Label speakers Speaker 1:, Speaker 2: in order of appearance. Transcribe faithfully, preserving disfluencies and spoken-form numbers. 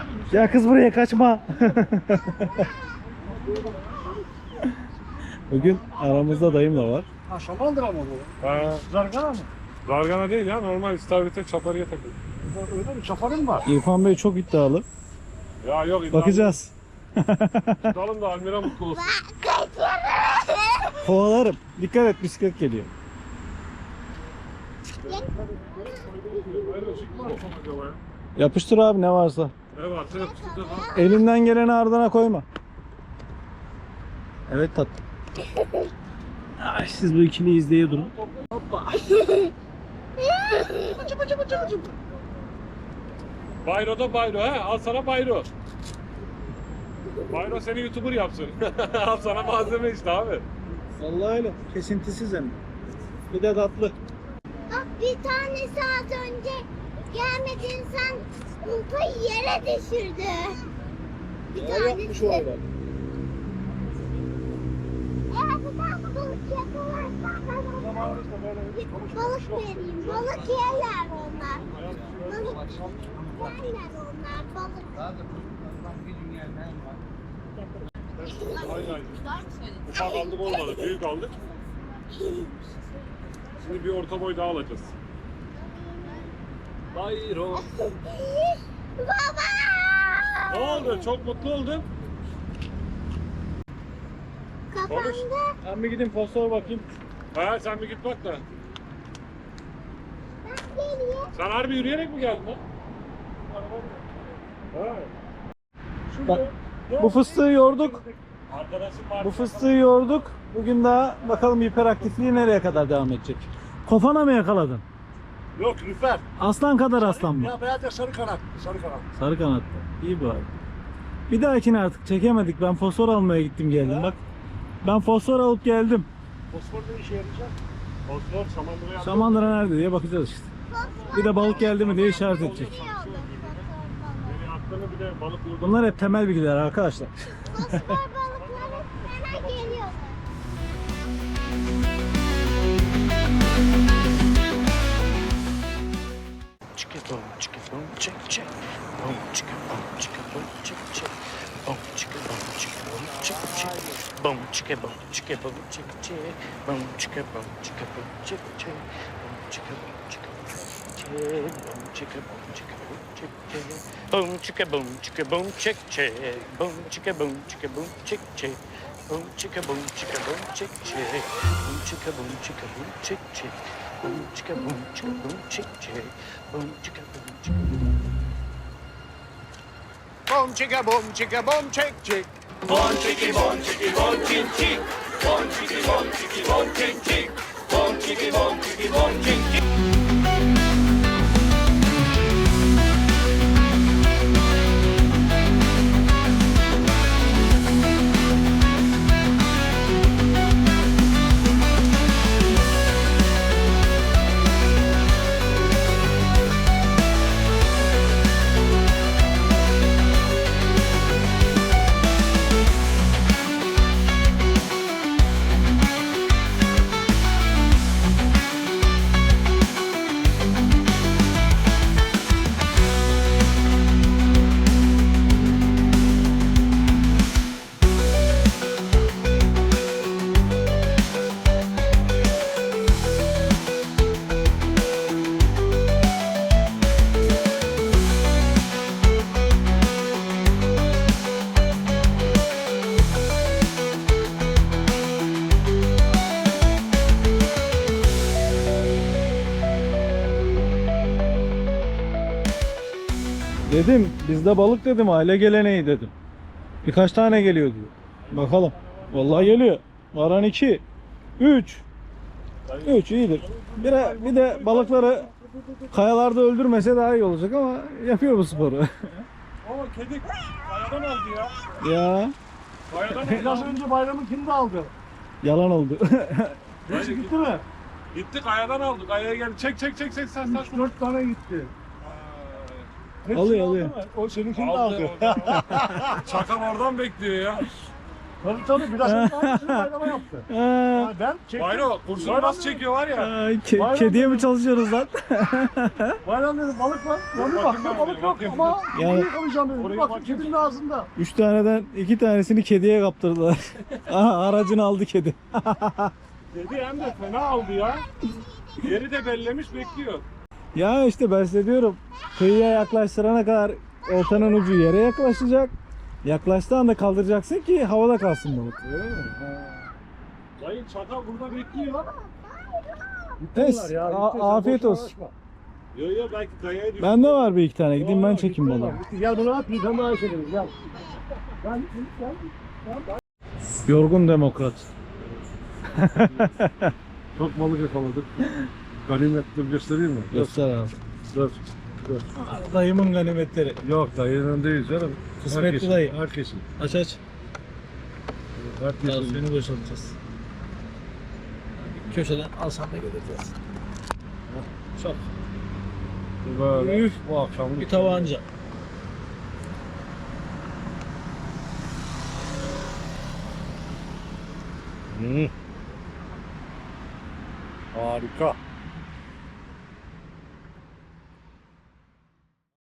Speaker 1: Ya kız buraya kaçma. Bugün aramızda dayım da var.
Speaker 2: Ha şamandıra mı bu?
Speaker 3: Ha,
Speaker 2: Zargana mı?
Speaker 3: zargana değil ya, normal istavrite çaparıya takılıyor.
Speaker 2: Öyle mi? Çaparı mı var?
Speaker 1: İrfan Bey çok iddialı.
Speaker 3: Ya yok iddialı.
Speaker 1: Bakacağız.
Speaker 3: Tutalım da Almira mutlu olsun.
Speaker 1: Kovalarım. Dikkat et, bisiklet geliyor.
Speaker 3: Hayır, çıkma mı acaba ya?
Speaker 1: Yapıştır abi ne varsa.
Speaker 3: Ne varsa yapıştıracağız ha.
Speaker 1: Elinden geleni ardına koyma. Evet tatlım. Ay, siz bu ikiliyi izleye durun.
Speaker 3: Bayro da Bayro ha. Al sana Bayro. Bayro seni YouTuber yapsın. Al sana malzeme işte abi.
Speaker 1: Vallahi öyle. Kesintisiz hem. Bir de tatlı.
Speaker 4: Bak bir tane saat önce gelmedin sen ultayı yere düşürdü. Bir tanesi.
Speaker 1: öyle.
Speaker 4: Eğer bir tane balık yakalarsan ben ona balık vereyim. Balık yerler onlar. Balık yerler onlar balık.
Speaker 3: Aynen. Ufak aldık olmadı. Büyük aldık. Şimdi bir orta boy daha alacağız. Bayro.
Speaker 4: Baba!
Speaker 3: Ne oldu? Çok mutlu oldun.
Speaker 4: Kafamda
Speaker 1: Ben bir gideyim fosfor bakayım.
Speaker 3: Ha sen bir git bak da.
Speaker 4: ben geliyor.
Speaker 3: Sen harbi yürüyerek mi geldin lan? Ha.
Speaker 1: Bak, bu fıstığı yorduk.
Speaker 3: Arkadaşım var.
Speaker 1: Bu fıstığı yorduk. Bugün daha bakalım hiperaktifliği nereye kadar devam edecek. Kofana mı yakaladın?
Speaker 2: Yok lüfer.
Speaker 1: Aslan kadar aslan mı?
Speaker 2: Ya beyaz ya sarı kanat. Sarı kanat.
Speaker 1: Sarı kanatlı. İyi bari. Bir dahakine artık çekemedik. Ben fosfor almaya gittim geldim bak. Ben fosfor alıp geldim.
Speaker 2: Fosfor ne işe yarayacak?
Speaker 3: Osman Samandıra yaptı.
Speaker 1: Samandıra nerede diye bakacağız işte. Bir de balık geldi mi diye işaret edecek.
Speaker 3: Beni attığını bir de balık vurdu.
Speaker 1: Bunlar hep temel bilgiler arkadaşlar.
Speaker 4: Fosfor balıkları hemen geliyor.
Speaker 5: Chicka boom, chicka boom, chick chick. Boom, chicka boom, chicka boom, chick chick. Boom, chicka boom, chicka boom, chick chick. Boom, chicka boom, chicka boom, chick chick. Boom, chicka boom, chicka boom, chick chick. Boom, chicka boom, chicka boom, chick chick. Boom, chicka boom, chicka boom, chick chick. Boom, chicka boom, chicka boom, chick chick. Boom, chicka boom, chicka boom, chick chick. Boom, chicka boom, chicka boom, chick chick. Boom, chicka boom, chicka boom, chick chick. Boom, chicka boom, chicka boom.
Speaker 2: Boom chicka boom chicka boom chick chick.
Speaker 5: Bon chicky bon chicky bon chick chick. Bon chicky bon chicky bon chick chick. Bon chicky bon chicky bon chick chick.
Speaker 1: Dedim bizde balık dedim, aile geleneği dedim. Birkaç tane geliyor diyor. Bakalım. Vallahi geliyor. Varan iki. Üç. Üç iyidir. Bir de, bir de balıkları kayalarda öldürmese daha iyi olacak ama yapıyor bu sporu.
Speaker 3: Oo kedi kayadan aldı ya.
Speaker 1: Ya
Speaker 3: Kayadan
Speaker 2: Biraz
Speaker 3: aldı.
Speaker 2: önce bayramın kim de aldı?
Speaker 1: yalan oldu.
Speaker 2: Neyse gitti mi?
Speaker 3: Gitti kayadan aldı. Kayaya geldi. Çek çek çek çek sen sen.
Speaker 2: üç dört tane gitti. Hepsini
Speaker 1: Alıyor,
Speaker 2: aldı
Speaker 1: alıyor.
Speaker 2: mı? O seninkini de
Speaker 3: Aldı.
Speaker 2: aldı.
Speaker 3: Çakal oradan bekliyor ya.
Speaker 2: Tabii tabii biraz önce aynısını bayrama yaptı.
Speaker 1: Aa,
Speaker 2: Yani ben çektim.
Speaker 3: Bayro kursunu nasıl çekiyor var ya.
Speaker 1: ay, ke-
Speaker 2: Bayram
Speaker 1: kediye mi
Speaker 2: dedim.
Speaker 1: çalışıyoruz lan?
Speaker 2: Bayram dedim balık var. Lan bir
Speaker 3: bakayım
Speaker 2: baktım
Speaker 3: ben
Speaker 2: balık
Speaker 3: oraya,
Speaker 2: yok
Speaker 3: bakayım.
Speaker 2: ama
Speaker 1: Yani-
Speaker 2: yani, yakalayacağım dedim. Bir
Speaker 3: Oraya
Speaker 2: baktım
Speaker 3: bakayım.
Speaker 2: kedinin ağzında.
Speaker 1: Üç taneden iki tanesini kediye kaptırdılar. Aha, aracını aldı kedi.
Speaker 3: Dedi hem de fena aldı ya. Yeri de bellemiş bekliyor.
Speaker 1: Ya işte ben size diyorum. Kıyıya yaklaştırana kadar oltanın ucu yere yaklaşacak. Yaklaştığı anda kaldıracaksın ki havada kalsın balık.
Speaker 3: Dayı çakal burada bekliyor.
Speaker 1: Neyse,
Speaker 2: Ya,
Speaker 1: a-
Speaker 2: gitti, sen
Speaker 1: afiyet
Speaker 2: boşuna
Speaker 1: olsun.
Speaker 2: uğraşma.
Speaker 3: Yo yo belki kayaya düştü.
Speaker 1: Bende var bir iki tane. Gideyim ben
Speaker 2: Aa,
Speaker 1: çekeyim
Speaker 2: gitti
Speaker 1: balığı.
Speaker 2: lan, gitti. Gel bunu at bir tane daha çekelim gel. Gel gel.
Speaker 1: Yorgun demokrat.
Speaker 2: Çok balık yakaladık. Ganimetleri göstereyim mi?
Speaker 1: Göster abi.
Speaker 2: Dur.
Speaker 1: Dayımın ganimetleri.
Speaker 2: Yok dayının değil canım.
Speaker 1: Kısmetli
Speaker 2: Herkesin,
Speaker 1: dayı.
Speaker 2: Herkesin.
Speaker 1: Aç aç. Daha
Speaker 2: Herkesin.
Speaker 1: suyunu boşaltacağız. Köşeden alsan da geleceğiz. Çok.
Speaker 2: Böyle
Speaker 1: Üf.
Speaker 2: bu akşam
Speaker 1: Bir tabanca.
Speaker 2: Harika.